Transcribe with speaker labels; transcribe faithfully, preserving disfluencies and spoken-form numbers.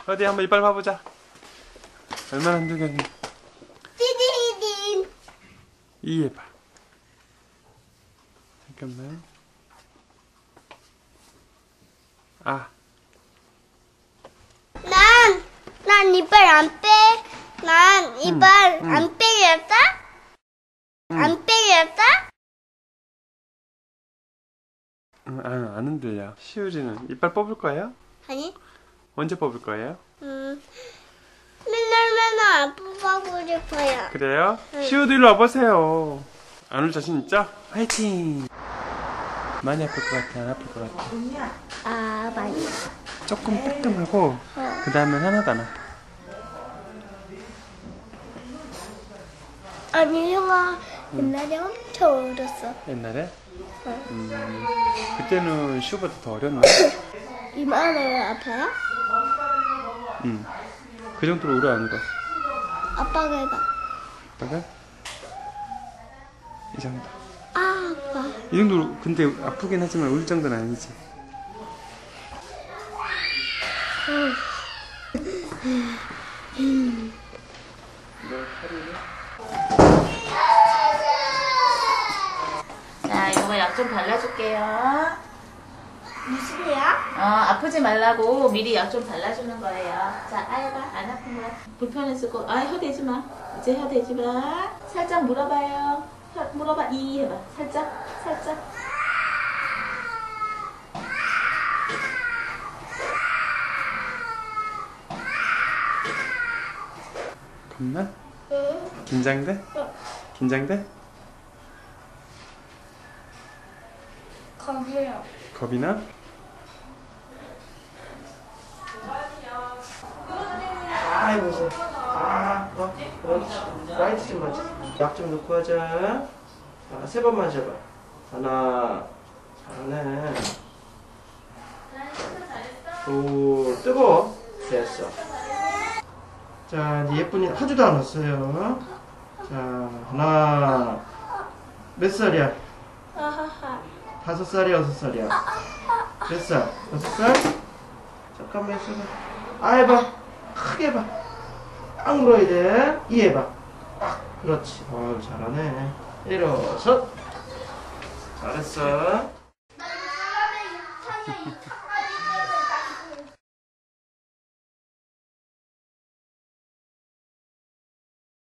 Speaker 1: 어디 한번 이빨 봐보자. 얼마나 흔들겠니?
Speaker 2: 띠디딘.
Speaker 1: 이 해봐. 잠깐만. 아.
Speaker 2: 난, 난 이빨 안 빼. 난 이빨
Speaker 1: 응, 응.
Speaker 2: 안 빼겠다?
Speaker 1: 응.
Speaker 2: 안 빼겠다?
Speaker 1: 응, 아, 안 흔들려. 시우리는 이빨 뽑을 거예요?
Speaker 2: 아니,
Speaker 1: 언제 뽑을 거예요?
Speaker 2: 음, 맨날 맨날 안 뽑아보고 싶어요.
Speaker 1: 그래요?
Speaker 2: 응.
Speaker 1: 시우도 일로 와보세요. 안 올 자신 있죠? 화이팅! 많이 아플 것 같아? 안 아플 것 같아?
Speaker 2: 아, 많이.
Speaker 1: 조금 뜨끔하고 그 다음엔 하나도 안 아파.
Speaker 2: 아니, 형아, 옛날에 엄청 울었어.
Speaker 1: 옛날에?
Speaker 2: 응.
Speaker 1: 음, 그때는 시우보다 더 어렸나?
Speaker 2: 이마는 아파요?
Speaker 1: 응. 그 정도로 오래 안 울어.
Speaker 2: 아빠가 해봐.
Speaker 1: 아빠가? 이 정도.
Speaker 2: 아, 아빠.
Speaker 1: 이 정도로, 근데 아프긴 하지만 울 정도는 아니지.
Speaker 3: 자, 이거 약 좀 발라줄게요.
Speaker 2: 무슨 야?
Speaker 3: 어, 아프지 말라고 미리 약 좀 발라주는 거예요. 자, 아야봐. 안 아픈 거야. 불편해서 거. 아, 혀 대지 마. 이제 혀 대지 마. 살짝 물어봐요. 혀 물어봐. 이 해봐. 살짝, 살짝.
Speaker 1: 겁나?
Speaker 2: 응.
Speaker 1: 긴장돼? 긴장돼?
Speaker 2: 겁이요.
Speaker 1: 겁이 나?
Speaker 4: 아이고, 이제. 아, 어, 그렇지. 라이트 좀 맞아. 약 좀 넣고 하자. 아, 세 번만 잡아. 하나, 잘하네. 오, 뜨거워. 됐어. 자, 이제 예쁜이 하지도 않았어요. 자, 하나. 몇 살이야?
Speaker 2: 아하하.
Speaker 4: 다섯 살이야, 여섯 살이야? 몇 살? 여섯 살? 잠깐만 있어봐. 아, 해봐. 크게 해봐. 딱 물어야 돼. 이 해봐. 그렇지. 어우, 잘하네. 일어서. 잘했어.
Speaker 2: 나는 사람의 유탄을